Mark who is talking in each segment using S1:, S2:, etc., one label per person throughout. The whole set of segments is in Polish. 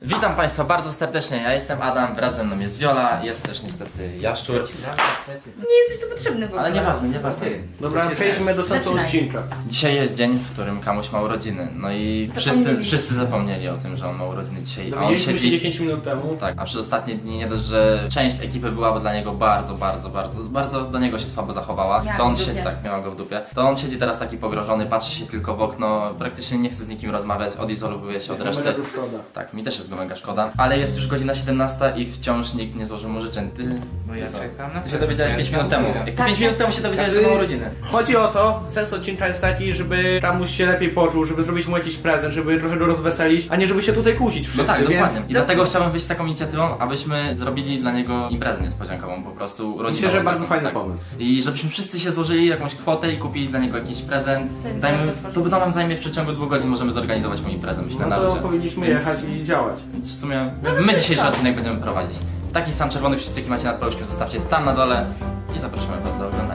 S1: Witam Państwa bardzo serdecznie, ja jestem Adam, wraz ze mną jest Wiola, jest też niestety Jaszczur.
S2: Nie jesteś tu potrzebny w ogóle.
S1: Ale nieważne.
S3: Dobra, przejdźmy do sensu
S2: Zaczynaj.
S3: odcinka.
S1: Dzisiaj jest dzień, w którym Kamuś ma urodziny. No i wszyscy zapomnieli o tym, że on ma urodziny dzisiaj. A on
S3: Dowiedzieliśmy się
S1: siedzi...
S3: 10 minut temu.
S1: Tak, a przez ostatnie dni nie dość, że część ekipy była dla niego bardzo do niego się słabo zachowała.
S2: Miała
S1: To on
S2: go w dupie.
S1: miała go w dupie. To on siedzi teraz taki pogrożony, patrzy się tylko w okno, praktycznie nie chce z nikim rozmawiać, odizolowuje się od
S3: Jest
S1: reszty.
S3: mega szkoda.
S1: Tak, mi też jest go mega szkoda. Ale jest już godzina 17 i wciąż nikt nie złożył mu życzeń.
S4: Bo ja
S1: co?
S4: czekam na
S1: Ty się dowiedziałeś 5 minut temu. Jak ty
S2: Tak,
S1: 5 minut temu się dowiedziałeś, że ma urodziny.
S3: Chodzi o to, sens odcinka jest taki, żeby Ramuś się lepiej poczuł, żeby zrobić mu jakiś prezent, żeby trochę go rozweselić, a nie żeby się tutaj kłócić wszyscy,
S1: No tak,
S3: więc...
S1: dokładnie. I dlatego chciałbym wyjść z taką inicjatywą, abyśmy zrobili dla niego imprezę niespodziankową, po prostu rodzinną.
S3: Myślę, że bardzo fajny
S1: Tak.
S3: pomysł.
S1: I żebyśmy wszyscy się złożyli jakąś kwotę i kupili dla niego jakiś prezent.
S2: Tak,
S1: Dajmy,
S2: bardzo
S1: to nam zajmie w przeciągu 2 godzin, możemy zorganizować mu imprezę, myślę,
S3: No
S1: na
S3: to
S1: luzie.
S3: powinniśmy
S1: Więc-
S3: jechać i działać.
S1: Więc w sumie my
S2: wszystko.
S1: dzisiejszy odcinek będziemy prowadzić. Taki sam czerwony przycisk, jaki macie nad paluszkiem, zostawcie tam na dole i zapraszamy Was do oglądania.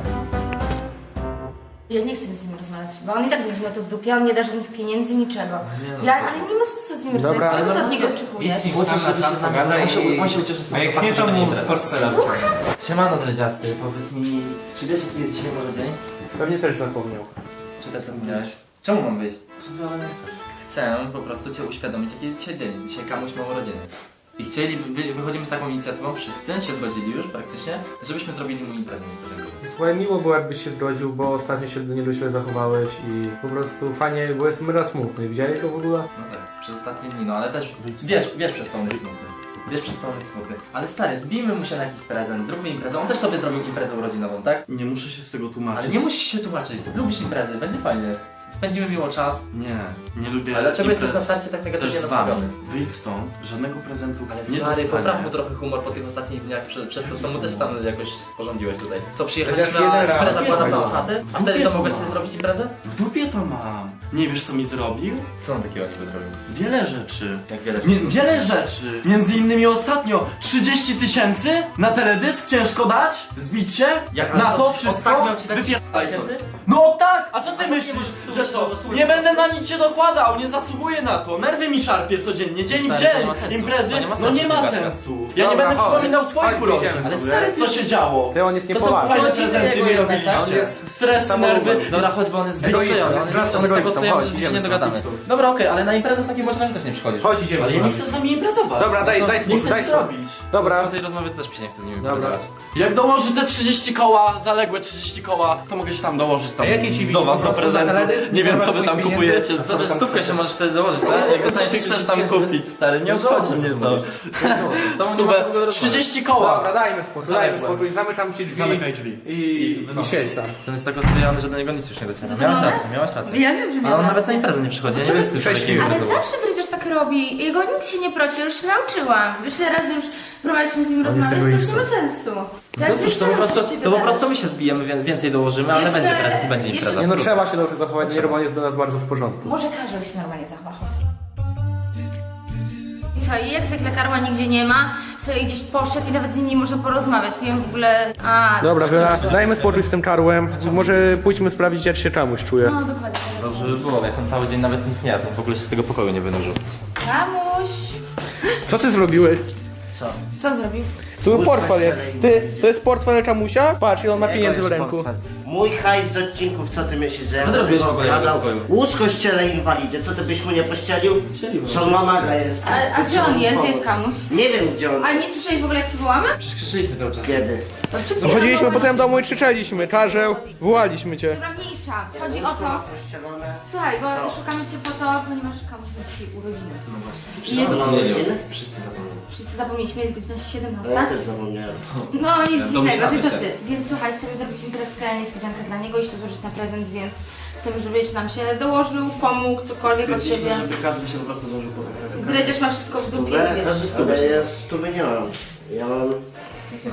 S2: Ja nie chcę z nim rozmawiać, bo on i tak będzie miał to w dupie, on nie da żadnych pieniędzy, niczego. Ale nie ma sensu z nim
S3: Dobra,
S2: rozmawiać. Czego
S3: ale
S2: ty od niego oczekujesz?
S1: Chociaż żeby się z nami on się ucieszy z
S4: No
S1: tego
S4: jak
S1: faktu,
S4: nie,
S1: że
S4: to
S1: będzie
S4: mu
S1: impreza.
S4: z portfela wciągnie.
S1: Siemano dredziasty, powiedz mi, czy wiesz jaki jest dzisiaj może dzień?
S3: Pewnie też zapomniał.
S1: Czy też zapomniałeś? Czemu mam wyjść? Co ty ode mnie chcesz? Chcę po prostu Cię uświadomić jaki jest dzisiaj dzień. Dzisiaj Kamuś ma urodziny. I wychodzimy z taką inicjatywą, wszyscy się zgodzili już praktycznie, żebyśmy zrobili mu imprezę niespodziankową.
S3: Słuchaj, miło było jakbyś się zgodził, bo ostatnio się do niego źle zachowałeś i po prostu fajnie, bo jest mega smutny. Widziałeś go w ogóle?
S1: No tak, przez ostatnie dni, no ale też wiesz przez to on jest smutny. Wiesz przez to on jest smutny. Ale stary, zbijmy mu się na jakiś prezent, zróbmy imprezę. On też tobie zrobił imprezę urodzinową, tak?
S5: Nie muszę się z tego tłumaczyć.
S1: Ale nie musisz się tłumaczyć, lubisz imprezy, będzie fajnie. Spędzimy miło czas.
S5: Nie lubię.
S1: Ale dlaczego
S5: imprez
S1: jesteś na starcie tak
S5: też
S1: negatywnie
S5: z wami.
S1: nastawiony?
S5: Wyjdź stąd, żadnego prezentu
S1: Ale
S5: nie
S1: stary,
S5: dostanie.
S1: popraw mu trochę humor po tych ostatnich dniach przez to, co mu też tam jakoś sporządziłeś tutaj. Co,
S3: Chociaż
S1: przyjechaliśmy,
S3: jeden
S1: a
S3: raz.
S1: impreza zakłada
S5: Jeden
S1: całą
S5: raz.
S1: chatę? A
S5: W
S1: wtedy
S5: dupie
S1: to
S5: to
S1: mogłeś
S5: mam.
S1: sobie zrobić imprezę?
S5: W dupie to mam. Nie wiesz co mi zrobił?
S1: Co on takiego niby zrobił?
S5: Wiele rzeczy.
S1: Jak wiele
S5: Wiele rzeczy. Między innymi ostatnio 30 000 na teledysk ciężko dać? Zbić się?
S1: Jak
S5: na
S1: co,
S5: to wszystko?
S1: ostatnio miał ci dać
S5: Wypierdaj
S1: 30
S5: stąd.
S1: 000?
S5: No tak! A co ty
S1: A co, nie
S5: myślisz,
S1: możesz
S5: że
S1: tu-
S5: co?
S1: tu-
S5: Nie będę na nic się dokładał, nie zasługuję na to. Nerwy mi szarpie codziennie, dzień w
S1: Stary,
S5: dzień.
S1: to nie ma sensu.
S5: Imprezy?
S1: To nie ma
S5: No
S1: sensu,
S5: nie ma
S1: Kuba.
S5: sensu. Ja nie
S3: Dobra,
S5: będę
S3: chodź.
S5: przypominał swoich
S3: Chodź,
S5: urodzin.
S3: idziemy.
S1: Ale stary,
S5: Co się działo?
S3: Ty, on jest
S1: To są
S3: niepoważny.
S5: Fajne
S1: urodziny
S5: prezenty
S1: jego
S5: mi
S1: jednak, tak?
S3: On
S5: robiliście.
S3: jest
S5: Stres,
S3: samolubny.
S5: nerwy.
S1: Dobra, chodź, bo on jest
S3: Egoista,
S1: zdecydujący. On
S3: jest
S1: jest
S3: egoistą.
S1: tego,
S3: Chodź,
S1: że się
S3: idziemy
S1: nie
S3: stąd,
S1: dogadamy.
S3: idź stąd.
S1: Dobra, okej, ale na imprezę w takim razie też nie przychodzisz.
S3: Chodź, idziemy.
S5: Ale ja nie chcę z wami imprezować.
S3: Dobra, daj
S5: Nie
S3: spokój,
S5: chcę
S3: daj
S5: nic
S3: spokój.
S5: zrobić.
S3: Dobra.
S1: Po tej rozmowie też się nie chcę z nimi
S3: Dobra.
S1: wypowiadać.
S5: Jak dołoży te 30 koła, zaległe 30 koła, to mogę się tam dołożyć tam
S3: A jakie ci
S5: do was
S3: widzimy?
S5: do
S3: Po prostu za
S5: prezentu.
S3: teledysk?
S5: Nie wiem
S3: Zabrać
S5: co wy tam
S3: swoich
S5: kupujecie.
S3: pieniędzy?
S1: Co ty stówkę się możesz wtedy dołożyć, tak? Jak
S5: Co
S1: dostaniesz
S5: ty chcesz
S1: 30
S5: tam
S1: 000?
S5: kupić, stary? Nie
S1: No
S5: obchodzi mnie to.
S1: Stówę,
S5: 30 koła.
S3: Dobra, dajmy spokój, zamykam ci drzwi.
S5: Zamykaj drzwi.
S3: I siedź sam.
S1: Ten jest tak odklejony, że do niego nic już nie dociera. Miałaś rację.
S2: Ja wiem, że
S1: Ale
S2: miałam
S1: on nawet na
S2: rację.
S1: imprezę nie przychodzi. Ja nie
S3: to
S1: wiem,
S3: jest
S1: z tym
S3: prześliwy.
S1: człowiekiem
S2: Ale zawsze Dredziarz tak robi. Jego nikt się nie prosi, już się nauczyłam. Wiele razy już próbowaliśmy z nim rozmawiać, to już nie ma sensu. Ja
S1: No cóż,
S2: jeszcze
S1: to po
S2: raz
S1: prostu,
S2: coś ci
S1: to po
S2: dodam.
S1: prostu my się zbijemy, więcej dołożymy, ale
S2: Jeszcze-
S1: będzie prezent i będzie
S2: jeszcze-
S1: impreza.
S3: Nie no, trzeba się dobrze zachować, nie, bo on jest do nas bardzo w porządku.
S2: Może każdy się normalnie zachowa. I co, i jak zwykle Karła nigdzie nie ma, sobie gdzieś poszedł i nawet z nim nie można porozmawiać. Nie wiem w ogóle...
S3: Dobra, Wiola, dajmy spokój z tym karłem. Może pójdźmy sprawdzić, jak się czemuś czuje.
S2: No dokładnie.
S1: Dobrze by było, jak on cały dzień nawet nic nie jadł, w ogóle się z tego pokoju nie wynurzył.
S2: Kamuś!
S3: Co ty zrobiłeś?
S2: Co zrobił?
S3: Tu portfel jest. Ty, to jest portfel Kamusia? Patrz, i on ma pieniędzy w ręku.
S6: Mój hajs z odcinków, co ty myślisz, że ja
S1: Co ty
S6: będę
S1: robisz w
S6: go
S1: ogóle w jego
S6: okradał?
S1: pokoju?
S6: Łóżko ściele inwalidzie, co ty byś mu nie pościelił?
S1: Ścieliłem.
S6: Co mamaga jest.
S2: A gdzie on jest? Gdzie jest Kamuś?
S6: Nie wiem gdzie on.
S2: A nie słyszałeś w ogóle jak ci wołamy?
S1: Przecież krzyczyliśmy cały czas.
S6: Kiedy?
S2: To przed
S3: No
S2: chwilą
S3: chodziliśmy po
S2: wołamy.
S3: tym domu i krzyczeliśmy. Karzeł, wołaliśmy cię.
S2: Dobra, mniejsza. Chodzi o
S6: Łóżko
S2: to...
S6: ma pościelone.
S2: Słuchaj, bo
S6: Co?
S2: szukamy cię po to, ponieważ Kamuś ma dzisiaj urodziny.
S1: No właśnie.
S2: Jest...
S1: Zapomnieli.
S6: urodziny?
S1: Wszyscy zapomnieli.
S2: Wszyscy zapomnieliśmy, jest godzina 17.
S6: Ja też zapomniałem.
S2: No nic dziwnego,
S1: Domyślamy
S2: tylko
S1: się.
S2: ty. Więc słuchaj, chcemy zrobić imprezkę, niespodziankę dla niego, jeszcze złożyć na prezent, więc chcemy, żebyś nam się dołożył, pomógł, cokolwiek od siebie.
S1: żeby każdy się po prostu złożył po sobie.
S2: Dredziarz ma wszystko w dupie,
S6: Stówę?
S2: wiesz.
S1: Każdy stówę.
S6: Ale ja stówy nie mam. Ja mam...
S1: Jakie masz?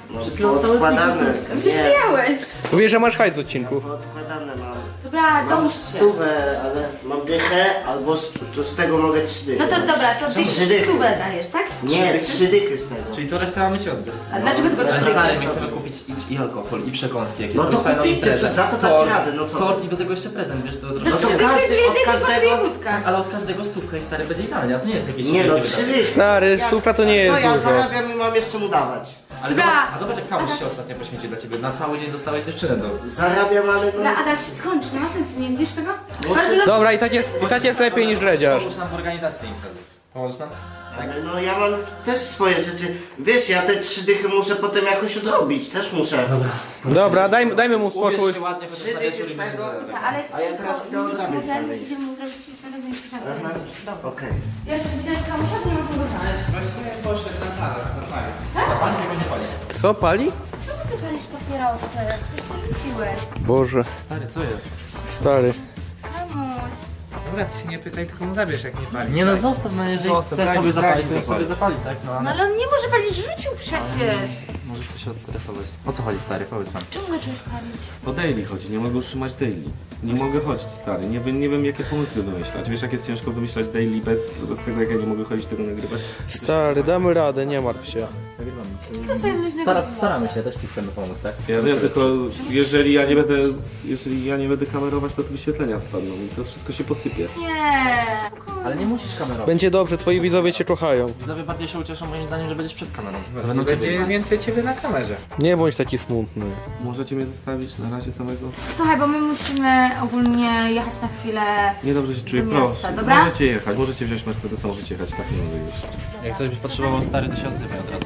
S6: No,
S1: Przed chwilą dostałeś
S6: odkładane.
S2: Gdzieś miałeś.
S3: Mówię, że masz hajs z odcinków.
S6: Odkładane mam.
S2: Dobra,
S6: Mam
S2: dołóż się.
S6: stówę, ale mam dychę, albo to z tego mogę 3 dychy.
S2: No to dobra, to ty
S6: Trzy dychy.
S2: stówę dajesz, tak?
S6: Nie, 3 dychy z tego.
S3: Czyli co resztę mamy się odbyć.
S2: A dlaczego tylko
S1: Ale
S2: 3
S1: stary,
S2: dychy?
S1: my chcemy kupić i alkohol, i przekąski, jakieś
S6: No to
S1: fajną
S6: kupijcie,
S1: imprezę.
S6: to za to dać
S1: Tort,
S6: radę, no co?
S1: Tort i do tego jeszcze prezent, wiesz, to
S2: Za
S6: No to
S2: 3 dychy,
S6: każdy
S2: 2
S6: od
S2: dychy kosztuje
S6: każdego-
S2: wódka.
S1: Ale od każdego stówka i stary będzie idealnie, a to nie jest jakieś
S6: Nie no,
S1: wielkie
S6: 3
S1: wydatki.
S6: dychy.
S3: Stary, stówka to nie jest
S6: Co ja
S3: dużo.
S6: zarabiam i mam jeszcze mu dawać?
S1: Ale
S2: Dobra.
S1: zobacz jak Kamuś się ostatnio poświęcił dla ciebie. Na cały dzień dostałeś dziewczynę do...
S6: Zarabiam, ale no...
S2: Dobra, Adaś, skończ, nie ma sensu, nie widzisz tego?
S3: Dobra, i tak jest lepiej niż dredziarz.
S1: Pomóż nam w organizacji tej imprezy. Pomożesz nam?
S6: Ale no ja mam też swoje rzeczy. Wiesz, ja te 3 dychy muszę potem jakoś odrobić, też muszę.
S3: Dobra, dajmy mu spokój.
S1: Ubierz się ładnie, chociaż
S6: 3
S1: na
S6: dychy
S1: wieczór i
S6: z
S1: będzie
S6: tego.
S1: zaraz.
S2: Dobra, ale
S6: A ja teraz idę odrabiać dalej.
S2: Idziemy zrobić imprezę i
S6: Aha,
S2: Dobra.
S6: okej.
S2: Ja jeszcze widziałeś Kamusia, to nie możemy go znaleźć.
S1: Poszedł na salę, zapalić. Zapalić tego nie pali.
S3: Co, pali?
S2: Czemu ty palisz papierosy? Ty się rzuciłeś.
S3: Boże,
S1: Stary, co jest?
S3: stary.
S2: Kamuś.
S3: Dobra, ty się nie pytaj, tylko mu zabierz jak nie pali.
S1: Nie no zostaw, no jeżeli
S3: Zostaw,
S1: chce
S3: daj
S1: sobie
S3: mi
S1: zapalić, to
S3: zapalić.
S1: niech sobie zapali, tak? No
S2: No
S1: ale...
S2: ale on nie może palić, rzucił przecież.
S1: Możesz to się odstresować. O co chodzi stary, powiedz nam.
S2: Czemu zacząłeś palić?
S4: O daily chodzi, nie mogę utrzymać daily. Nie mogę chodzić, stary. Nie wiem jakie pomysły wymyślać. Wiesz jak jest ciężko wymyślać daily bez tego jak ja nie mogę chodzić tego nagrywać.
S3: Stary, damy radę, nie martw się.
S2: To sobie luźnego piwa.
S1: Staramy się, też ci chcemy pomóc, tak?
S4: Ja wiem, tylko jeżeli ja nie będę kamerować, to te wyświetlenia spadną i to wszystko się posypie.
S2: Nie.
S1: Ale nie musisz kamerować.
S3: Będzie dobrze, twoi widzowie cię kochają.
S1: Widzowie bardziej się ucieszą moim zdaniem, że będziesz przed kamerą.
S3: Będzie więcej ciebie na kamerze. Nie bądź taki smutny.
S4: Możecie mnie zostawić na razie samego?
S2: Słuchaj, bo my musimy ogólnie jechać na chwilę.
S4: Niedobrze się czuję,
S2: Do miasta,
S4: proszę.
S2: dobra?
S4: Możecie jechać, możecie wziąć Mercedesa, możecie jechać, tak nie mogę już.
S1: Jak coś byś potrzebował stary, to się odzywaj od razu.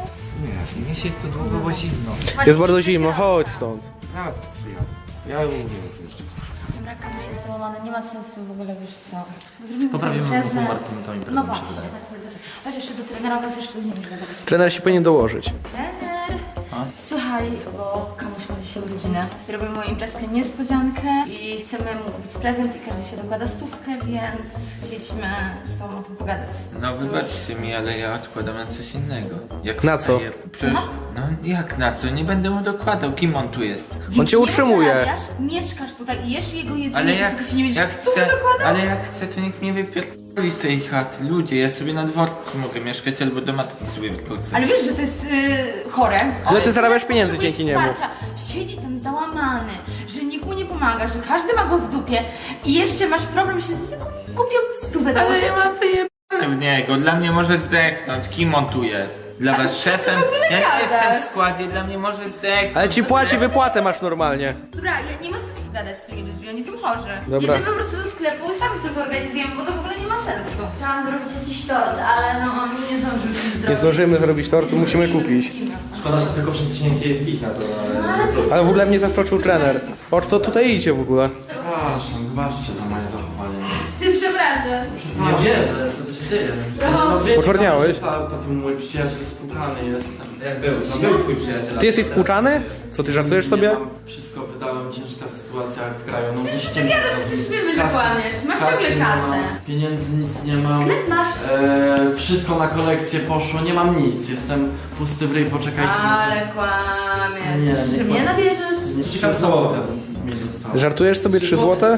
S4: Nie się jest tu długo, bo zimno.
S3: Jest bardzo zimno, chodź stąd.
S4: Teraz przyjadę. Ja mówię już jeszcze.
S2: Dobra, Kamuś jest załamany, nie ma sensu w ogóle, wiesz co. Zrobimy
S1: Poprawimy
S2: imprezę.
S1: humor tą imprezą,
S2: No
S1: mi się
S2: właśnie,
S1: wydaje.
S2: tak powiedzieć. Chodź jeszcze do trenera, was jeszcze z nim gadać.
S3: Trener się powinien dołożyć.
S2: Trener!
S1: A?
S2: Słuchaj, bo Kamuś ma dzisiaj urodziny. Robimy mu imprezkę niespodziankę i chcemy mu kupić prezent i każdy się dokłada stówkę, więc chcieliśmy z tobą o tym pogadać.
S7: No wybaczcie mi, ale ja odkładam na coś innego. Jak
S3: Na co?
S7: wstaję- Przecież, no jak na co? Nie będę mu dokładał. Kim on tu jest?
S3: On cię utrzymuje.
S2: Zarabiasz, mieszkasz tutaj i jesz jego jedzenie,
S7: Ale
S2: i
S7: jak,
S2: ty się nie będziesz
S7: jak
S2: stówkę
S7: chcę,
S2: dokładał?
S7: ale jak chcę, to nikt mnie wypierdoli z tej chaty. Ludzie, ja sobie na dworcu mogę mieszkać albo do matki sobie wrócę.
S2: Ale wiesz, że to jest chore?
S3: Ale ty zarabiasz pieniędzy dzięki niemu.
S2: Wsparcia. Siedzi tam załamany, że nikt mu nie pomaga, że każdy ma go w dupie i jeszcze masz problem, że tylko kupił stówę do
S7: Ale ja mam wyjebane w niego. Dla mnie może zdechnąć. Kim on tu jest? Dla was szefem? Ja nie
S2: gadasz?
S7: jestem w składzie, dla mnie może zdechnąć.
S3: Ale ci płaci, wypłatę masz normalnie.
S2: Dobra, ja nie ma sensu gadać z tymi ludźmi, oni są chorzy.
S3: Dobra.
S2: Jedziemy po prostu do sklepu i sami to zorganizujemy, bo to w ogóle nie ma sensu. Chciałam zrobić jakiś tort, ale no nie zdążymy zrobić.
S3: Nie zdążymy zrobić tortu, musimy kupić.
S1: Szkoda, że tylko przedsięwzięcie jest bić na to, ale...
S3: Ale w ogóle mnie zaskoczył trener. O, to tutaj idzie w ogóle.
S5: Przepraszam, wybaczcie za moje zachowanie.
S2: Ty przepraszam.
S1: Nie wierzę, co tu się dzieje.
S3: Poczwarniałeś?
S5: Taki mój przyjaciel spłukany jestem.
S1: Jak był? No był twój przyjaciel.
S3: Ty jesteś spłuczany? Co, ty żartujesz sobie?
S5: Nie mam, wszystko wydałem, ciężka sytuacja jak w kraju. No
S2: Przecież
S5: musicie
S2: ty
S5: mi
S2: wiadomo,
S5: zrobić.
S2: przecież wiemy, że
S5: Kasy-
S2: kłamiesz. Masz ciągle
S5: nie
S2: kasę.
S5: mam, pieniędzy nic nie mam.
S2: Sklep masz.
S5: Wszystko na kolekcję poszło, nie mam nic. Jestem pusty w ryj, poczekajcie.
S2: Ale kłamiesz.
S5: Nie,
S2: Czy
S5: nie
S2: mnie
S5: kłamię.
S2: nabierzesz?
S5: Nie 3 złote mi zostało.
S3: Żartujesz sobie 3 złote?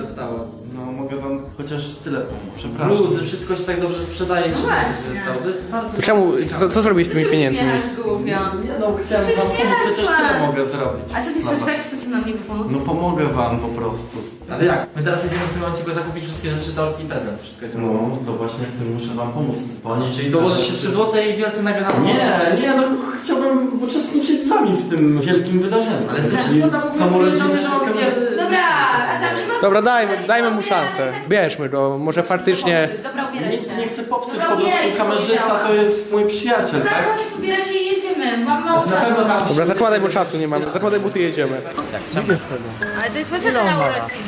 S5: No mogę wam chociaż tyle pomóc, przepraszam.
S1: Ludzie, wszystko się tak dobrze sprzedaje, że
S2: właśnie.
S1: zostało. To jest bardzo...
S3: Czemu, co zrobić z tymi pieniędzmi?
S2: Głupio.
S5: Nie no, chciałem
S2: Przecież
S5: wam
S2: nie
S5: pomóc,
S2: masz
S5: chociaż
S2: planu.
S5: tyle mogę zrobić.
S2: A co ty
S5: Dla
S2: chcesz
S5: was.
S2: tak chcesz nam niby pomóc?
S5: No pomogę wam po prostu.
S1: Ale jak? My teraz jedziemy w tym momencie go zakupić wszystkie rzeczy, torki i prezent. Wszystko jest
S5: No, to właśnie w tym muszę wam pomóc. Ponieść
S1: Czyli dołożysz się 3 złote i wielce nagle na
S5: Nie, no chciałbym uczestniczyć z wami w tym wielkim wydarzeniu.
S1: Ale co,
S5: Czyli samorodzinne
S1: że mamy
S2: Dobra, a tam nie ma...
S3: Dobra, dajmy mu szansę. Bierzmy go, może faktycznie...
S2: Dobra, ubieraj
S5: Nic
S2: się.
S5: nie chcę popsuć,
S2: Dobra,
S5: po
S2: ubieraj
S5: prostu
S2: się,
S5: kamerzysta
S2: powiedziałam.
S5: to jest mój przyjaciel,
S2: Dobra,
S5: tak?
S2: chodź, ubieraj się i jedziemy. Mam mało
S1: Na pewno
S2: czasu.
S1: tam...
S3: Dobra, zakładaj, bo czasu nie mamy. Zakładaj buty, jedziemy.
S2: Ale to jest potrzebne na urodziny.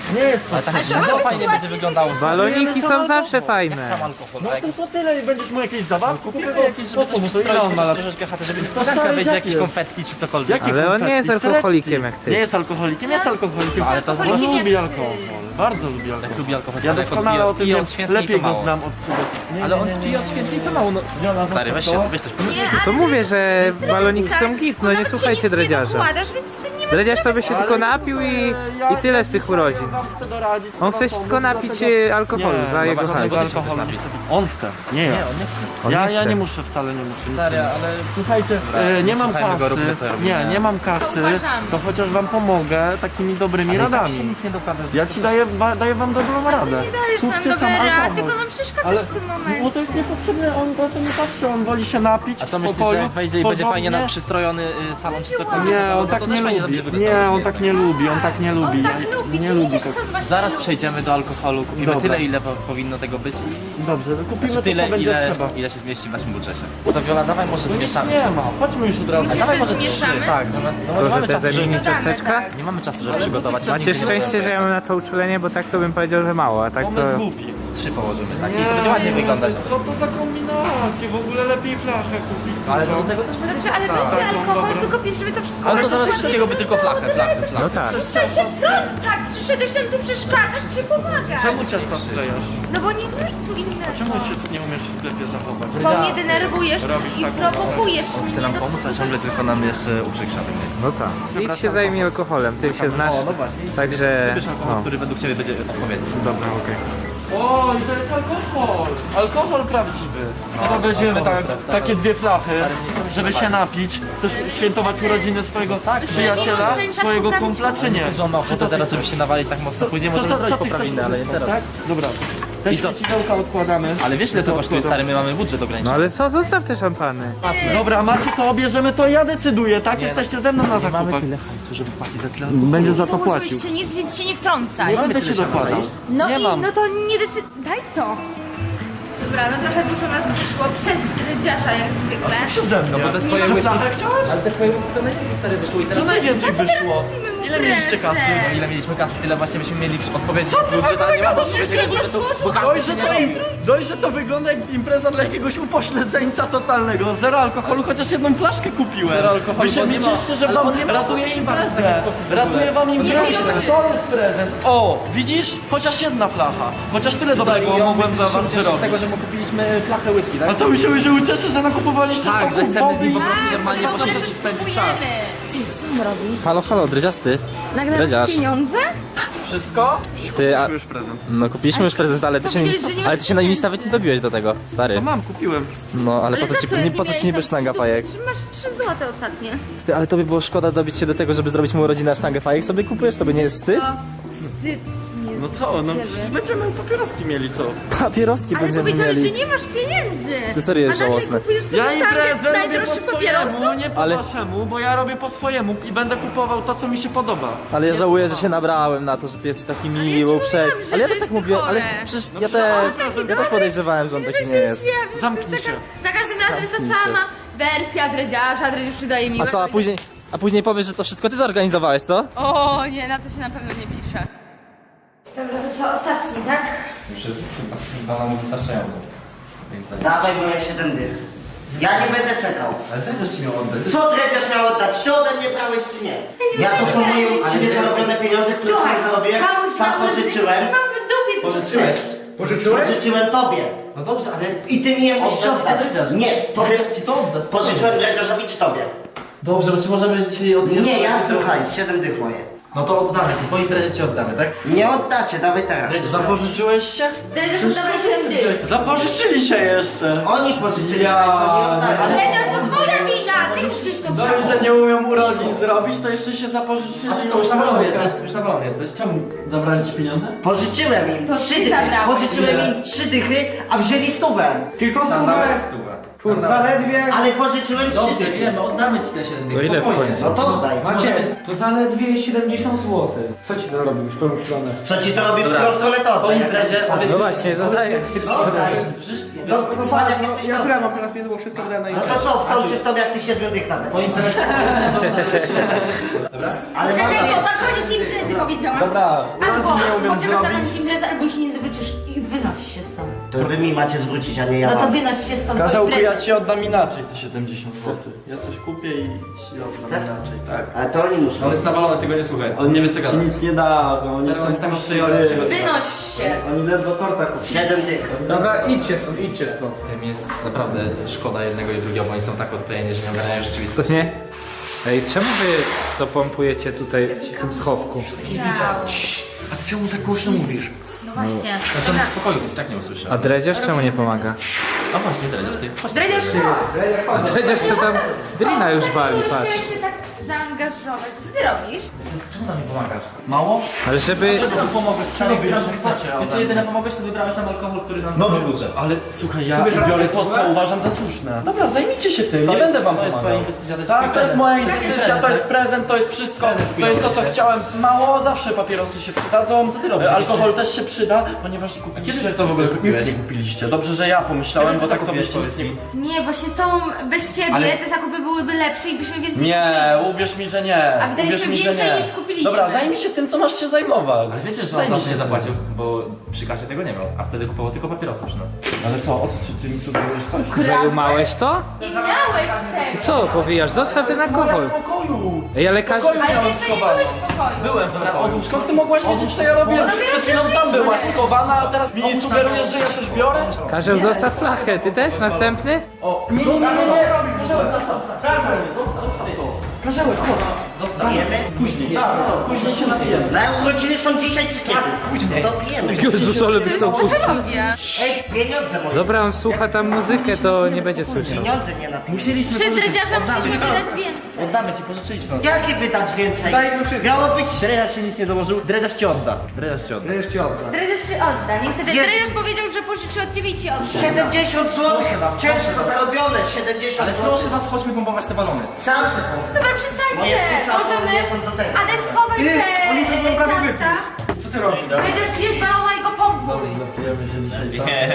S3: Nie jest
S1: Ale tak zimno fajnie będzie wyglądało.
S8: Baloniki są zawsze fajne.
S1: Sam alkohol,
S3: No
S1: tak?
S3: tylko tyle i będziesz mu jakieś zabawki kupował?
S1: Jakieś, żeby coś przystroić, troszeczkę chatę, żeby niespodzianka będzie jakieś konfetki czy cokolwiek.
S3: Jakie
S8: Ale on nie jest
S3: konfetti?
S8: alkoholikiem jak
S3: Nie
S8: ty.
S3: jest alkoholikiem, jest alkoholikiem.
S1: Ale to
S3: on
S2: alkoholikiem
S3: lubi
S2: jak
S3: alkohol. Bardzo lubi alkohol.
S1: Jak lubi alkohol,
S3: Ja
S1: stary,
S3: doskonale o tym
S1: pije
S3: wiem.
S1: od świętej i
S3: Lepiej
S1: to
S3: go
S1: mało.
S3: znam od nie,
S1: Ale
S3: nie,
S1: on
S3: nie,
S1: pije od świętej i to mało, no.
S3: Wiona,
S1: Stary, weź
S3: zostaw
S1: się,
S3: to.
S1: weź coś.
S8: To mówię, że baloniki są git, no nie słuchajcie dredziarza.
S2: Dokładasz, więc ty nie masz
S8: Dredziarz sobie się tylko napił i tyle z tych urodzin.
S3: Wam chcę doradzić,
S8: On
S3: chcę
S8: chce
S3: wam
S8: się
S3: pomóc,
S8: tylko napić
S3: dlatego-
S8: alkoholu
S3: Nie,
S8: za jego
S1: właśnie,
S8: hajs.
S1: bo ty się
S3: alkoholu
S1: chcesz
S3: nie
S1: napić.
S3: chcę. On chce, nie ja.
S1: Nie, on nie chce.
S8: On nie
S3: Ja
S8: chce.
S3: nie muszę, wcale nie muszę.
S1: Stary, ale...
S3: Słuchajcie, nie mam
S1: słuchajmy
S3: kasy,
S1: go, róbmy, co robimy.
S3: nie mam kasy,
S2: uważamy.
S3: to chociaż wam pomogę takimi dobrymi
S1: się
S3: radami.
S1: nic nie dokłada.
S3: Ja ci daję wam dobrą radę.
S2: Nie dajesz nam
S3: Kupcie
S2: dobry
S3: sam
S2: rad,
S3: alkohol.
S2: tylko nam przeszkadzasz
S3: Ale
S2: w tym
S3: bo
S2: momencie.
S3: to jest niepotrzebne, on na to nie patrzy, on woli się napić
S1: A co
S3: w
S1: myślisz,
S3: spokoju,
S1: że jak wejdzie i będzie fajnie
S3: porządnie?
S1: przystrojony salon czy cokolwiek?
S3: Nie, on
S1: to
S3: tak
S1: też
S3: nie
S1: fajnie
S3: lubi.
S1: będzie
S3: Nie,
S1: wyglądało.
S3: on tak nie lubi, on tak nie lubi.
S2: On tak
S3: Ja
S2: lubi,
S3: nie
S2: ty
S3: lubi
S2: wiesz,
S3: tak.
S2: co on właśnie
S1: Zaraz
S2: lubi.
S1: przejdziemy do alkoholu, kupimy
S3: Dobra.
S1: tyle, ile powinno tego być
S3: Dobrze, kupimy
S1: i
S3: to,
S1: tyle,
S3: co będzie
S1: ile,
S3: trzeba.
S1: ile się zmieści w naszym budżecie. To Viola, dawaj może
S3: No nic
S1: zmieszamy.
S3: nie ma, chodźmy już od razu.
S2: Myślisz,
S1: Dawaj
S2: że
S1: może trzy,
S2: zmieszamy?
S1: tak. No,
S8: Co,
S1: nie
S8: że
S1: mamy
S8: te
S1: czasu,
S8: mini
S1: żeby...
S2: Dodamy,
S8: ciasteczka?
S2: tak.
S1: Nie mamy czasu, żeby przygotować.
S8: Macie szczęście, że ja mam na to uczulenie, bo tak to bym powiedział, że mało, a tak to...
S3: Pomysł głupi.
S1: 3 położymy, tak? I to będzie ładnie wyglądać.
S3: Co to za kombinacje? W ogóle lepiej flachę kupić.
S1: Ale do tego też
S2: Dobrze, ale będzie alkohol, tylko żeby to wszystko...
S1: Ale to zamiast wszystkiego by tylko flachę.
S8: No tak.
S2: Przestań się tak, przyszedłeś tam tu przeszkadzasz, czy pomagasz?
S3: Czemu ciasta sklejasz?
S2: No bo nie masz tu innego.
S3: Czemu się nie umiesz w sklepie zachować?
S2: Bo mnie denerwujesz
S3: Robisz
S2: i
S3: taką-
S2: prowokujesz
S1: Chce
S2: mnie
S1: nam
S2: do...
S1: pomóc, a ciągle tylko nam jeszcze uprzykrza.
S8: No tak. Idź się zajmij alkoholem, ty się znasz.
S1: O, no właśnie.
S8: Także...
S1: Wybierz alkohol,
S8: No.
S1: który według Ciebie będzie odpowiedni.
S8: Dobra, okej.
S3: O, i to jest alkohol! Alkohol prawdziwy. No to weźmiemy takie dwie flachy, żeby się napić. Chcesz świętować urodziny swojego przyjaciela, swojego kumpla, czy nie?
S1: Że on ma ochotę teraz, żeby się nawalić tak mocno. Później możemy zrobić
S3: ty chcesz
S1: poprawinę, ale nie teraz.
S3: Tak? Dobra. Te
S1: I co?
S3: świecidełka odkładamy.
S1: Ale wiesz ile to kosztuje, stary? My mamy budżet ograniczony.
S8: No ale co, zostaw te szampany.
S3: Dobra, macie to, bierzemy to, ja decyduję, tak? Jesteście ze mną na zakupach.
S1: hajsu, żeby płacić za tyle.
S3: Będzie za to
S2: Dołożyłeś
S3: płacił.
S2: się nic, więc się nie wtrącaj.
S3: Nie będę się dokładał.
S2: No
S3: Nie
S2: i
S3: mam.
S2: no to nie daj to. Dobra, no trochę dużo nas wyszło przez rydziarza jak zwykle.
S3: Przeze mnie.
S1: No bo te twoje
S3: Że
S1: łyski...
S3: flachę chciałeś?
S1: Ale te twoje łyski to najlepiej, stary, wyszło i teraz...
S3: Co najwięcej wyszło? Ile mieliście kasy?
S2: Prezent.
S1: Ile mieliśmy kasy, tyle właśnie byśmy mieli odpowiedzi budżet, ale nie ma odpowiedniego budżetu, bo
S3: Dość, że to wygląda jak impreza dla jakiegoś upośledzeńca totalnego. Zero alkoholu, chociaż jedną flaszkę kupiłem.
S1: Zero alkoholu,
S3: Wy się
S1: bo nie ma-
S3: cieszcie, że
S1: ale
S3: wam
S1: on nie ma
S3: ratuje
S1: opcji bardzo w
S3: imprezę.
S1: taki sposób w ogóle.
S3: Ratuje wam imprezę.
S2: nie
S3: To jest prezent. O, widzisz? Chociaż jedna flacha. Chociaż tyle dobrego mogłem dla was
S1: z
S3: zrobić.
S1: tego, że mu kupiliśmy flachę whisky, tak?
S3: A co myślałeś, że ucieszę, że nakupowaliście
S1: Tak, że
S3: soków,
S1: chcemy z
S3: wody
S1: nim
S3: i...
S1: po prostu normalnie
S2: Ale
S1: posiedzieć
S2: to
S1: i spędzić czas.
S2: spróbujemy. Co on robi?
S1: Halo, dredziasty.
S2: Nagrywasz
S1: Dredziarz.
S2: pieniądze?
S3: Wszystko?
S1: Ty, a...
S3: Już prezent.
S1: No kupiliśmy już prezent, ale ty się,
S2: powiedziałeś, że nie masz
S1: ale ty się na list nawet nie dobiłeś do tego, stary.
S3: To mam, kupiłem.
S1: No, ale po
S2: za
S1: co ci,
S2: jak
S1: po co
S2: miałeś
S1: ci niby
S2: tam
S1: sztanga
S2: 100
S1: fajek?
S2: Czy masz 3 złote ostatnie?
S1: Ty, ale to by było szkoda dobić się do tego, żeby zrobić mu urodziny, a sztangę fajek sobie kupujesz, to by nie jest wstyd?
S2: To wstyd nie
S3: No co, no przecież będziemy papieroski mieli, co?
S1: Papieroski
S2: Ale
S1: będziemy
S2: powiedziałeś, że
S1: mieli.
S2: nie masz pieniędzy.
S1: Ty serio jest
S2: A nagle
S1: żałosne.
S2: kupujesz sobie
S3: Ja
S2: sztangę
S3: imprezę robię po
S2: najdroższych
S3: swojemu,
S2: papierosów?
S3: nie po
S1: Ale-
S3: waszemu, bo ja robię po swojemu i będę kupował to, co mi się podoba.
S1: Ale ja żałuję, że się nabrałem na to, że ty jesteś taki miły,
S2: ja ci
S1: uprzejmy.
S2: mówiłam, że
S1: Ale ja
S2: to
S1: też tak
S2: jest
S1: mówię, ale
S2: chore.
S1: przecież
S3: No
S1: ja też podejrzewałem, że on taki nie jest.
S3: Zamknij się.
S2: Za każdym razem jest
S1: Zamknij
S2: ta
S1: się.
S2: sama wersja dredziarza, dredziarz przydaje mi.
S1: A co, a później powiesz, że to wszystko ty zorganizowałeś, co?
S2: O nie, na to się na pewno nie pisze. Dobra, to co, ostatni, tak?
S1: Już jest chyba nam wystarczająco.
S6: Dawaj, bo ja 7 dych. Ja nie będę czekał.
S1: Ale dredziarz ci miał oddać.
S6: Co dredziarz miał oddać? Ty ode mnie brałeś czy nie? Ja to są moje uczciwie zarobione pieniądze, które sam zarobiłem, sam pożyczyłem.
S2: Mam w dupie to
S1: Pożyczyłeś?
S6: Pożyczyłem tobie.
S1: No dobrze, ale...
S6: I ty mi je musisz
S1: Oddać
S6: oddać.
S1: dredziarz.
S6: Nie, tobie.
S1: Dredziarz ci to odda, spokojnie.
S6: Pożyczyłem dredziarzowi czy tobie?
S1: Dobrze, bo czy możemy dzisiaj odmierzyć?
S6: Nie, ja słuchaj, 7 dych moje.
S1: No to oddamy ci, po imprezie ci oddamy, tak?
S6: Nie oddacie, dawaj teraz.
S3: Zapożyczyłeś się?
S2: Dredziarz oddawaj 7 dych.
S3: Zapożyczyli się jeszcze.
S6: Oni pożyczyli, państwo nie oddali.
S2: Dredziarz to twoja wina, ty musisz to
S3: Dość, że nie umią urodzin zrobić, to jeszcze się zapożyczyli.
S1: A ty co, już nawalony jesteś? Już nawalony jesteś?
S3: Czemu zabrali ci pieniądze?
S6: Pożyczyłem im
S2: To
S6: 3
S2: ty
S6: dychy.
S2: zabrałeś.
S6: Pożyczyłem im 3 dychy, a wzięli 100.
S3: Tylko
S1: Tam
S3: stówę.
S1: nawet stówę. Kurwa.
S9: Zaledwie...
S6: Ale pożyczyłem 3
S1: Dobrze,
S6: dychy.
S1: wiemy, oddamy ci te 7
S8: To ile w końcu?
S6: No to oddaj.
S9: Macie, to zaledwie 70 zł. Co ci to robi w tą stronę?
S6: Co ci to robi w
S1: Dobra.
S6: którą stronę to
S1: Po
S6: oddaj.
S1: imprezie
S8: No właśnie, zadaję.
S6: No, cwaniak jesteś
S9: Ja
S6: dobry.
S9: które mam teraz pieniądze, bo wszystko wydałem na
S6: No
S9: imprezę.
S6: to co, wtrącisz to jak ty 7 dych nawet.
S1: Po imprezie.
S6: Ale
S2: Czekaj,
S6: mam...
S2: bo na koniec imprezy powiedziałam.
S9: Dobra,
S2: Albo
S9: nie umiem
S2: poczekasz na
S9: zrobić.
S2: koniec imprezy, albo ich nie zwrócisz i wynoś się stąd.
S6: To wy mi macie zwrócić, a nie ja
S2: No to
S6: wam.
S2: wynoś się stąd po
S5: Karzełku,
S2: imprezie.
S5: ja ci oddam inaczej te 70 zł. Ja coś kupię i ci oddam inaczej, tak?
S6: Ale to oni muszą.
S3: On jest nawalony, tego nie słuchaj. On nie wie co
S5: Ci
S3: gada.
S5: nic nie dadzą, oni
S1: Stary, on
S5: są
S1: tam
S5: puściory.
S2: Wynoś się.
S5: Oni ledwo torta kupili.
S6: 7 dych.
S9: Dobra, idźcie stąd.
S1: Tym jest naprawdę szkoda jednego i drugiego, bo oni są tak odklejeni, że nie ogarniają
S8: Co
S1: rzeczywistości.
S8: nie? Ej, czemu wy to pompujecie tutaj w tym schowku?
S5: A czemu tak głośno mówisz?
S2: No właśnie.
S1: Znaczy on w spokoju, więc tak nie usłyszę.
S8: A dredziarz czemu nie pomaga?
S1: A właśnie, dredziarz, ty.
S2: Dredziarz, chodź.
S8: A dredziarz co tam drina już wali,
S2: Chciałeś
S8: patrz.
S2: się tak zaangażować. Co ty robisz?
S1: Czemu nam nie pomagasz?
S5: Mało?
S8: Ale żeby...
S5: Czego tu pomogłeś? Co robisz?
S1: Ty sobie jedyne pomogłeś, to wybrałeś nam alkohol, który nam
S5: Dobrze,
S1: budżet.
S5: ale słuchaj, ja biorę to, co uważam za słuszne. Dobra, zajmijcie się tym, nie będę wam
S1: To jest twoja
S5: pomagał.
S1: inwestycja, to jest
S5: Tak,
S1: twój
S5: to jest
S1: prezent.
S5: moja inwestycja, to jest prezent, to jest wszystko. To jest to, co chciałem. Mało, zawsze papierosy się przydadzą.
S1: Co ty robisz?
S5: Alkohol też się przyda, ponieważ kupiliście.
S1: kiedy to w ogóle kupiłeś?
S5: Nic nie kupiliście. Dobrze, że ja pomyślałem,
S1: Kiedy
S5: bo
S1: ty
S5: tak
S1: to
S5: to
S1: kupiłeś,
S5: byście nic
S1: powiedz
S5: nie...
S1: mi?
S2: Nie, właśnie z tą, bez ciebie
S1: Ale-
S2: te zakupy byłyby lepsze i byśmy więcej
S5: Nie,
S2: kupili.
S5: uwierz mi, że nie.
S2: A wydaliśmy
S5: Uwierz mi, że
S2: więcej
S5: nie.
S2: niż kupiliśmy.
S5: Dobra, zajmij się tym, co masz się zajmować.
S1: Ale wiecie, że on
S5: Zajmij
S1: zawsze
S5: się
S1: nie
S5: tym.
S1: zapłacił, bo przy kasie tego nie miał, a wtedy kupował tylko papierosy przy nas.
S5: Ale co, o co ty mi sugerujesz coś?
S8: Zajumałeś to?
S2: Nie miałeś tego.
S8: Co powijasz? Zostaw ten alkohol.
S5: Spokoju!
S8: Ej, ale każdy...
S2: Ale ty jeszcze nie byłeś w pokoju.
S1: Byłem, dobra, odłóż.
S5: Skąd ty mogłaś wiedzieć, co ja robię? Przed chwilą tam byłaś schowana, a teraz mi sugerujesz, że ja coś biorę?
S8: Karzeł, zostaw flachę. Ty też? Następny?
S5: O, nie, Karzełek, chodź.
S6: Pijemy?
S5: Później, później się napijemy.
S6: Na urodziny są dzisiaj czy kiedy? Później. To pijemy.
S8: Jezus, ale byś to puścił.
S6: Ej, pieniądze moje.
S8: Dobra, on słucha tam muzykę, to nie będzie słyszał.
S6: Pieniądze nie napijemy.
S1: Musieliśmy
S2: Przez dredziarza musieliśmy wydać więcej.
S1: Oddamy ci, pożyczyliśmy.
S6: Jakie wydać więcej? Miało być...
S1: Dredziarz się nic nie dołożył, dredziarz ci odda. Dredziarz ci odda.
S9: Wreszcie odda.
S2: Dredziarz się odda. Niestety
S6: Jest.
S2: dredziarz powiedział, że pożyczy od ciebie i ci odda.
S6: 70 zł. Ciężko zarobione. 70
S1: Ale
S6: zł.
S1: proszę was, chodźmy pompować te balony.
S6: Sam se pomogę.
S2: Dobra,
S6: Moje
S2: przestańcie.
S6: płuca
S2: Możemy...
S6: nie są do tego.
S2: Ade, schowaj
S9: Ty,
S2: te
S9: oni już będą prawie
S2: ciasta.
S9: Co ty robisz?
S2: Dredziarz bierz balona i go pompuj.
S5: Napijemy się dzisiaj,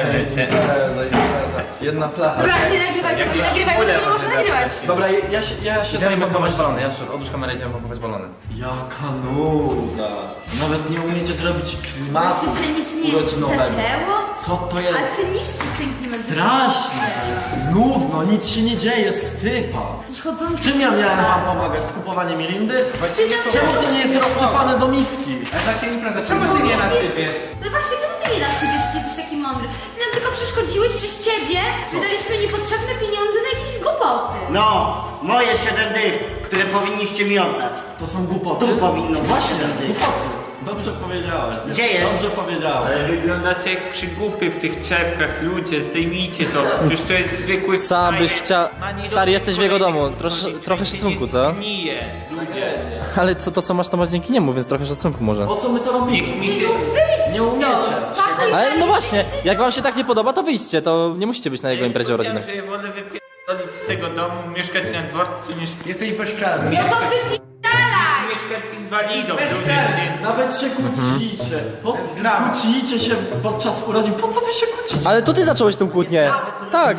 S5: co? Jedna flacha.
S2: Dobra, nie nagrywaj, nie nagrywaj, bo tego nie można nagrywać.
S5: Dobra, ja się
S1: Idziemy
S5: zajmę
S1: pompować balony, Jaszczur, odłóż kamerę, idziemy pompować balony.
S5: Jaka nuda. Nawet nie umiecie zrobić klimatu
S2: Jeszcze się nic nie
S5: urodzinowego.
S2: zaczęło?
S5: Co to
S2: A
S5: jest?
S2: ty niszczysz ten klimat.
S5: Strasznie. Nudno, nic się nie dzieje, stypa.
S2: Jesteś chodzący.
S5: Czym ja miałem wam pomagać? W kupowaniu mirindy? Czemu to nie jest rozsypane do miski?
S8: Czemu ty nie nasypiesz?
S2: No właśnie, czemu ty nie nasypiesz, ty jesteś taki mądry? Ty nam tylko przeszkodziłeś, przez ciebie wydaliśmy niepotrzebne pieniądze na jakieś głupoty.
S6: No, moje 7 dych, które powinniście mi oddać.
S5: To są głupoty?
S6: Tu powinno być 7 dych.
S5: Dobrze powiedziałeś.
S6: Gdzie jest?
S5: Dobrze powiedziałeś.
S7: Ale wyglądacie jak przygłupy w tych czepkach, ludzie, zdejmijcie to. Przecież to jest zwykły
S3: Sam byś
S7: frajer.
S3: chciał...
S7: Ma nie
S3: Stary, jesteś w jego domu.
S7: robić
S3: Trochę szacunku, co?
S7: Gnije, ludzie.
S3: Ale to co masz, to masz dzięki niemu, więc trochę szacunku może.
S5: Po co my to robimy?
S7: Niech mi się...
S5: Nie umiecie.
S2: Pakuj
S3: Ale no właśnie, jak wam się tak nie podoba, to wyjdźcie, to nie musicie być na jego imprezie urodzinnej.
S7: Ja wolę wypierdolić z tego domu, mieszkać na dworcu niż
S9: Jesteś bezczelny.
S2: No to wypierdalaj!
S7: mieszkać z inwalidą, ludzie się...
S5: Nawet się kłócicie. Kłócicie się podczas urodzin. Po co wy się kłócicie?
S3: Ale to ty zacząłeś tą kłótnię. Tak.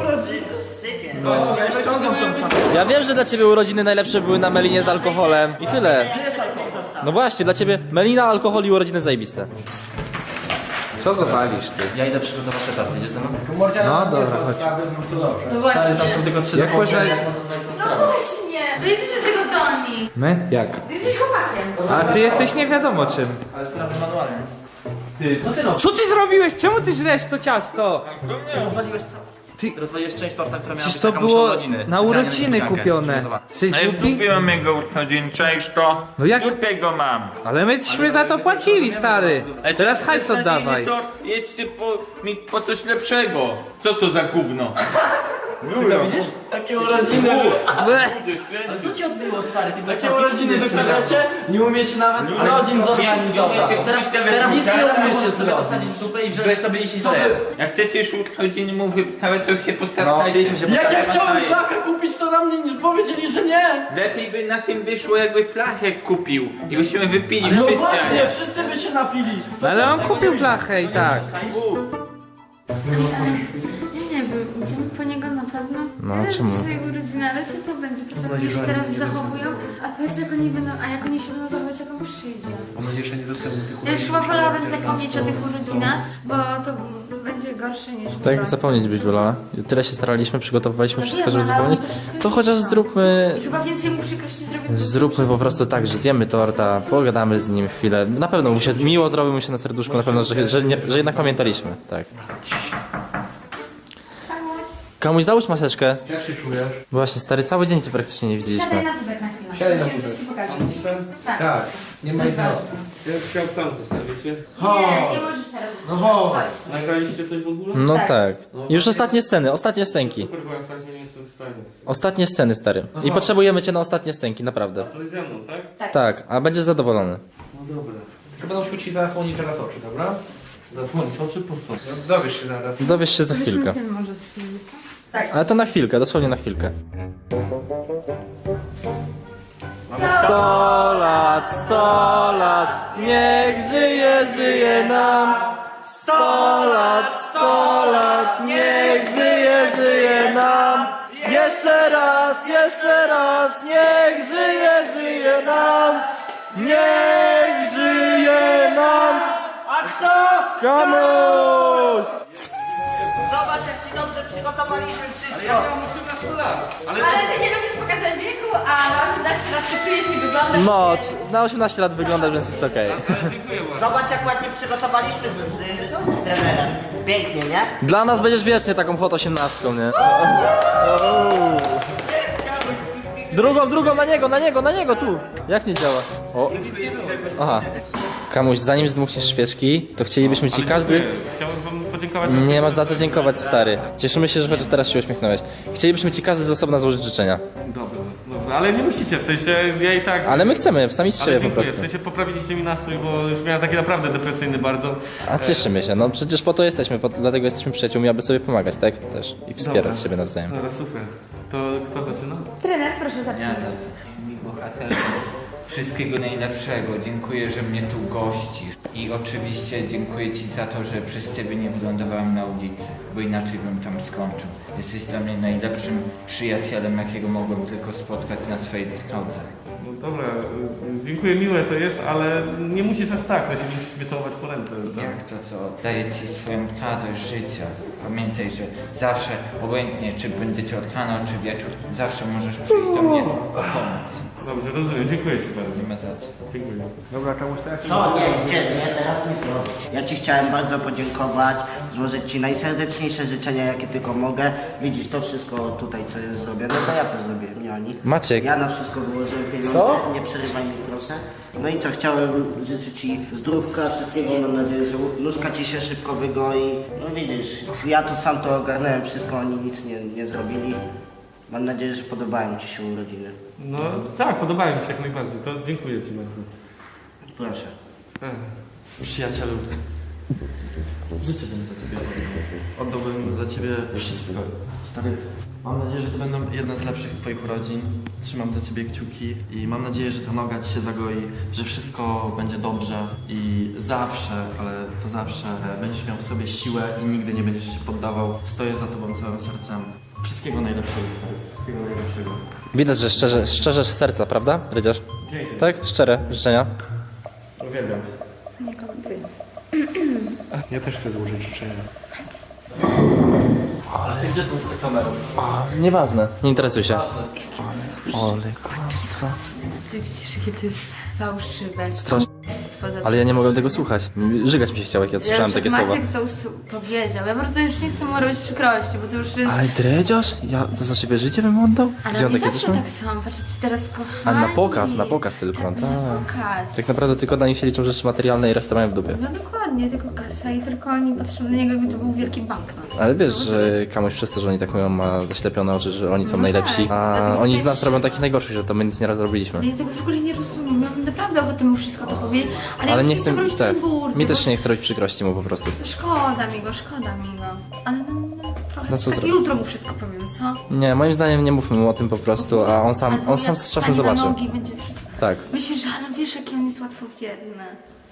S5: Ja ściągam tą czapkę.
S3: Ja wiem, że dla ciebie urodziny najlepsze były na melinie z alkoholem. I tyle. No właśnie, dla ciebie melina, alkohol i urodziny zajebiste.
S8: Co go walisz, ty?
S1: Ja idę przygotować etat, wiecie ze mną?
S8: No dobra, chodź.
S2: No właśnie.
S1: Stary, tam są tylko 3
S8: Jak można-
S2: No właśnie! Wy jesteście tego zdolni.
S8: My? Jak?
S2: Ty jesteś chłopakiem.
S8: A ty jesteś nie wiadomo czym.
S1: Ale sprawy manualnie. Ty, co ty robisz?
S8: Co ty zrobiłeś? Czemu ty źlesz to ciasto?
S1: Rozwaliłeś co? Ty rozwaliłeś część torta, która miała
S8: Przecież
S1: być
S8: to
S1: taką
S8: było
S1: urodziny.
S8: na
S1: Specjalnie
S8: urodziny
S1: niespodziankę.
S8: kupione.
S1: Przygotowa-
S8: Jesteś
S7: Ale
S8: głupi?
S7: wdupiłem jego urodzin, cześć to.
S8: No jak?
S7: Dupie go mam.
S8: Ale myśmy za to płacili, stary.
S7: Ale
S8: Teraz
S7: to
S8: hajs
S7: beznadziejny
S8: oddawaj.
S7: tort, jedźcie po coś lepszego. Co to za gówno?
S5: Widzisz? Takie urodziny. Ale co ci odbyło, stary? Takie urodziny wyprawiacie? Nie umiecie nawet urodzin zorganizować. Teraz nic nie umiecie zrobić.
S1: Wsadzić w zupę i wziąć sobie jeśli chcesz.
S7: Jak chcecie już urodziny mu wyprawiać, to się
S1: No,
S7: postarajcie.
S1: chcieliśmy się
S5: Jak ja
S1: postarać.
S5: chciałem flachę kupić, to na mnie niż powiedzieli, że nie.
S7: Lepiej by na tym wyszło, jakby flachę kupił i byśmy wypili
S5: No
S7: wszyscy, a
S5: właśnie,
S7: nie.
S5: wszyscy by się napili.
S8: Ale on kupił flachę i tak.
S2: Nie wiem, idziemy po niego na pewno.
S1: No,
S2: Teraz
S1: czemu?
S2: jest jego urodziny, ale co to będzie? Patrz, jak oni się teraz zachowują, a patrz jak oni będą, a jak oni się będą zachować, jak on przyjdzie. Ja już chyba wolałabym zapomnieć o tych urodzinach, bo to będzie gorsze niż
S1: Tak, zapomnieć byś wolała. Tyle się staraliśmy, przygotowywaliśmy
S2: No
S1: wszystko,
S2: wiem,
S1: żeby
S2: ale
S1: zapomnieć.
S2: to wszystko
S1: To
S2: jest
S1: chociaż
S2: źle.
S1: zróbmy...
S2: I chyba więcej mu przykrości zrobię.
S1: Zróbmy po prostu tak, że zjemy torta, pogadamy z nim chwilę. Na pewno mu się miło zrobi mu się na serduszku, na pewno, że jednak pamiętaliśmy. Tak. Komuś załóż maseczkę.
S9: Jak się czujesz?
S1: Właśnie, stary, cały dzień cię praktycznie nie
S2: Siadaj
S1: widzieliśmy.
S2: na tubek na chwilę.
S9: Siadaj na
S2: Musimy
S9: tubek.
S2: coś ci pokazać.
S9: Tak. Nie ma
S2: To jest
S9: innego.
S2: ważne.
S4: Ja chciałem sam zostawicie.
S2: Nie, nie możesz teraz.
S9: No chodź.
S2: Chodź.
S4: Nagraliście coś w ogóle?
S1: No
S2: Tak.
S1: tak. Już ostatnie sceny, ostatnie scenki.
S4: Super, bo ja sam nie jestem w stanie.
S1: Ostatnie sceny, stary. I potrzebujemy cię na ostatnie scenki, naprawdę.
S4: To jest ze mną, tak?
S1: Tak, a będziesz zadowolony.
S4: No dobra.
S9: Tylko będą świecić zasłonić teraz oczy, dobra?
S4: Zasłonić oczy po co?
S9: No, dowiesz się zaraz.
S1: Dowiesz się za chwilkę.
S2: Ten może chwilę. Tak.
S1: Ale to na chwilkę, dosłownie na chwilkę. 100 lat, 100 lat, niech żyje, żyje nam. 100 lat, 100 lat, niech żyje, żyje nam. Jeszcze raz, niech żyje, żyje nam. Niech żyje nam.
S6: A kto?
S1: Kamuś!
S6: Zobacz, jak ci dobrze przygotowaliśmy wszystko.
S2: Ale ty nie lubisz pokazać wieku, a na 18 lat ty czujesz i wyglądasz.
S1: No, na 18 lat wygląda, więc jest okej.
S6: Zobacz, jak ładnie przygotowaliśmy z trenerem. Pięknie, nie?
S1: Dla nas będziesz wiecznie taką hot 18, nie? Drugą, na niego, tu! Jak nie działa? O. Aha. Kamuś, zanim zdmuchniesz świeczki, to chcielibyśmy ci każdy...
S4: Chciałbym wam podziękować.
S1: Nie masz za co dziękować, stary. Cieszymy się, że chociaż teraz się uśmiechnąłeś. Chcielibyśmy ci każdy z osobna złożyć życzenia.
S4: Dobra, ale nie musicie, w sensie ja i tak...
S1: Ale my chcemy, sami z
S4: Ale
S1: siebie po
S4: dziękuję,
S1: prostu.
S4: w sensie poprawiliście mi nastrój, bo już miałem taki naprawdę depresyjny bardzo.
S1: A cieszymy się, no przecież po to jesteśmy, dlatego jesteśmy przyjaciółmi, aby sobie pomagać, tak? Też. I wspierać
S4: Dobra.
S1: siebie nawzajem.
S4: Dobra, super. To kto zaczyna?
S2: Trener, proszę zacząć.
S7: Ja mi bohater. Wszystkiego najlepszego. Dziękuję, że mnie tu gościsz. I oczywiście dziękuję Ci za to, że przez Ciebie nie wylądowałem na ulicy, bo inaczej bym tam skończył. Jesteś dla mnie najlepszym przyjacielem, jakiego mogłem tylko spotkać na swojej drodze.
S4: No dobra, dziękuję, miłe to jest, ale nie musisz aż tak, w sensie nie musisz mnie całować po ręce. Tak?
S7: Jak to, co daje Ci swoją radość życia. Pamiętaj, że zawsze, obojętnie czy będzie to rano, czy wieczór, zawsze możesz przyjść do mnie pomóc.
S4: Dobrze, rozumiem, dziękuję Ci bardzo.
S7: Nie ma za co.
S4: Dziękuję.
S9: Dobra, czemuś tak?
S6: Co? Nie, teraz nie to. Ja ci chciałem bardzo podziękować, złożyć ci najserdeczniejsze życzenia, jakie tylko mogę. Widzisz, to wszystko tutaj, co jest zrobione, to ja to zrobiłem, nie oni.
S1: Maciek.
S6: Ja na wszystko wyłożyłem pieniądze, nie przerywaj mi proszę. No i co, chciałem życzyć ci zdrówka, wszystkiego, mam nadzieję, że nóżka ci się szybko wygoi. No widzisz, ja tu sam to ogarnąłem wszystko, oni nic nie zrobili. Mam nadzieję, że podobają ci się urodziny.
S4: No tak, podobają mi się jak najbardziej, to dziękuję Ci bardzo.
S6: Proszę.
S5: Przyjacielu, życie bym za ciebie oddałbym za ciebie wszystko. Stary, mam nadzieję, że to będą jedne z lepszych twoich urodzin. Trzymam za ciebie kciuki i mam nadzieję, że ta noga ci się zagoi, że wszystko będzie dobrze i zawsze, ale to zawsze będziesz miał w sobie siłę i nigdy nie będziesz się poddawał. Stoję za tobą całym sercem. Wszystkiego najlepszego. Wszystkiego najlepszego.
S1: Widać, że szczerze z serca, prawda, Rydziarz?
S4: Dzięki.
S1: Tak? Szczere życzenia.
S4: Uwielbiam Cię.
S2: Nie komentuję.
S9: Ja też chcę złożyć życzenia.
S5: Ale gdzie tu jest ta kamera?
S1: Nieważne. Nie interesuj się. Ale kłamstwo.
S2: Ty widzisz, jakie to jest fałszywe.
S1: Strasznie.
S2: Poza za to.
S1: Ale ja nie mogłem tego słuchać. Żygać mi się chciało, jak ja słyszałem takie słowa.
S2: Maciek to powiedział. Ja po prostu już nie chcę mu robić przykrości, bo to już jest...
S1: Ale dredziarz? Ja to za ciebie życie bym oddał?
S2: Ale
S1: Gdzie on
S2: oni
S1: takie
S2: zawsze
S1: coś ma?
S2: tak są, patrzcie, teraz
S1: A
S2: kochani.
S1: na pokaz tylko.
S2: Tak,
S1: Tak.
S2: na pokaz.
S1: Tak naprawdę tylko dla nich się liczą rzeczy materialne i resztę mają w dupie.
S2: No dokładnie, tylko kasa i tylko oni patrzą na niego, jakby to był wielki banknot.
S1: Ale wiesz, że komuś przez to, że oni tak mówią, ma zaślepione oczy, że oni są
S2: No
S1: najlepsi,
S2: tak,
S1: a
S2: dlatego
S1: oni
S2: też-
S1: z nas robią takich najgorszych, że to my nic nie raz zrobiliśmy.
S2: Ja tego w ogóle nie rozumiem, ja bym naprawdę o tym wszystko to powiedzieć, ale,
S1: Ale
S2: ja
S1: nie chcę,
S2: robić
S1: tak,
S2: ten burdy,
S1: mi też
S2: bo-
S1: się nie chce robić przykrości mu po prostu.
S2: Szkoda mi go. Ale no trochę
S1: No co
S2: tak,
S1: zrobić?
S2: jutro mu wszystko powiem, co?
S1: Nie, moim zdaniem nie mówmy mu o tym po prostu, a on sam
S2: Albo
S1: z
S2: jak
S1: czasem
S2: wstanie na
S1: zobaczy.
S2: nogi, będzie wszystko.
S1: Tak.
S2: Myślisz, że ale wiesz, jaki on jest łatwowierny.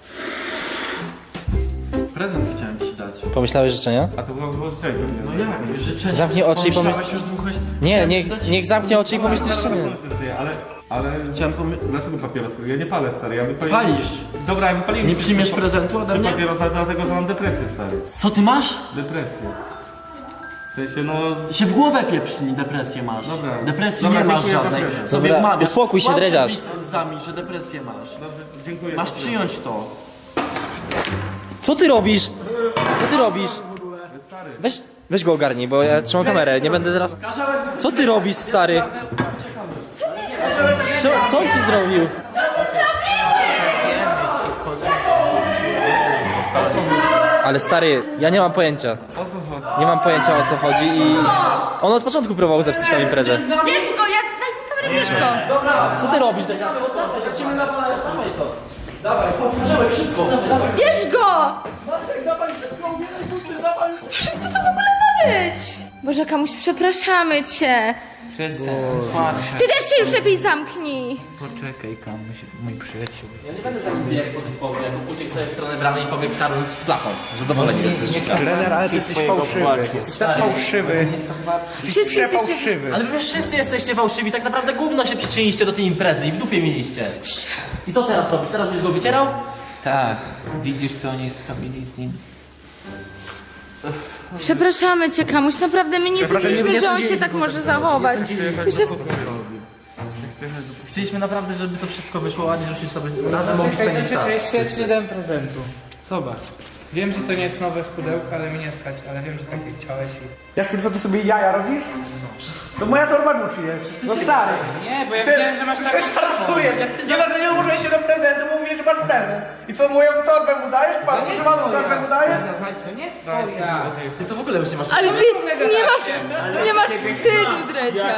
S5: Prezent chciałem ci dać.
S1: Pomyślałeś życzenia?
S4: A to było czego?
S5: No jak? Życzenie.
S1: Zamknij oczy i pomyśl...
S5: Pomyślałeś, już dmuchałeś?
S1: Nie, niech zamknie oczy i pomyśli życzenie.
S4: Ale
S5: Chciałem
S4: dlaczego papierosy? Ja nie palę, stary, ja wypaliłem.
S5: Palisz.
S4: Dobra, ja wypaliłem.
S5: Nie przyjmiesz prezentu ode
S4: Czy
S5: mnie?
S4: papierosa, dlatego że mam depresję, stary.
S5: Co ty masz?
S4: Depresję. W sensie, no...
S5: Się w głowę pieprzni, depresję masz.
S4: Dobra.
S5: Depresji
S4: Dobra,
S5: nie masz
S4: dziękuję za
S5: żadnej.
S4: prezent.
S5: Sobie
S1: Dobra,
S5: wmawiasz.
S1: uspokój się,
S5: Kłamstwo
S1: dredziarz.
S5: widzami, że depresję masz.
S4: Dobrze, dziękuję.
S5: Masz
S4: za prezent.
S5: przyjąć to.
S1: Co ty robisz? Co ty robisz? Weź go ogarnij, bo ja trzymam kamerę, nie będę teraz... Co ty robisz, stary? Co on ci zrobił? Ale stary, ja nie mam pojęcia. Nie mam pojęcia, o co chodzi i... On od początku próbował zepsuć nam imprezę.
S2: Bierz go, ja... Daj mi kamerę, bierz go!
S1: Co ty robisz?
S2: Bierz go! Boże, co to w ogóle ma być? Boże, Kamuś, przepraszamy cię.
S7: Przestań, płacz.
S2: Ty też się już lepiej zamknij.
S7: Poczekaj, Kamuś, mój przyjaciel.
S1: Ja nie będę za nim biegł po tym powie, jak uciekł sobie w stronę bramy i pobiegł z Karolem z flachą. Zadowoleni jacyś.
S9: Trener, ale ty jesteś fałszywy. Jesteś tak fałszywy.
S2: Wszyscy jesteście...
S9: Fałszywy.
S1: Ale wy wszyscy jesteście fałszywi, tak naprawdę gówno się przyczyniliście do tej imprezy i w dupie mieliście. I co teraz robisz? Teraz będziesz go wycierał?
S7: Tak, widzisz co oni zrobili z nim?
S2: Przepraszamy cię, Kamuś, naprawdę my nie sądziliśmy, że on się tak może zachować. Że...
S1: Chcieliśmy naprawdę, żeby to wszystko wyszło ładnie, żebyśmy sobie razem mogli spędzić czas.
S8: Jeszcze jest jeden prezentu. Zobacz. Wiem, że to nie jest nowe z pudełka, ale mnie nie stać, ale wiem, że takie chciałeś i...
S9: Jaszczur, co ty sobie jaja robisz? To moja torba Gucci jest. No stary.
S8: Nie, bo ja wiedziałem, że masz taką...
S9: Żartuję. Nie ułożyłeś się do prezentu, mówisz, że masz prezent. I co, moją torbę mu dajesz? Pan używaną torbę mu dajesz?
S8: To nie jest twoja.
S1: Ty to w ogóle już nie masz...
S2: Ale ty nie masz wstydu, Drecia.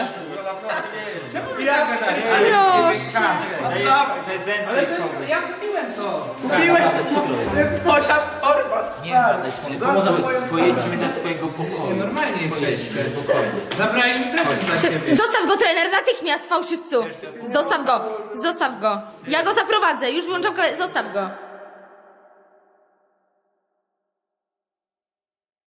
S2: Proszę.
S8: Ale to jest... Ja kupiłem to.
S9: Kupiłeś? To jest moja torba.
S7: Może pojedźmy do twojego pokoju.
S8: Normalnie jesteście. Zabrali mi prezent dla ciebie.
S2: Zostaw go, trener, natychmiast, fałszywcu. Zostaw go. Ja go zaprowadzę, już włączam kamerę. Zostaw go.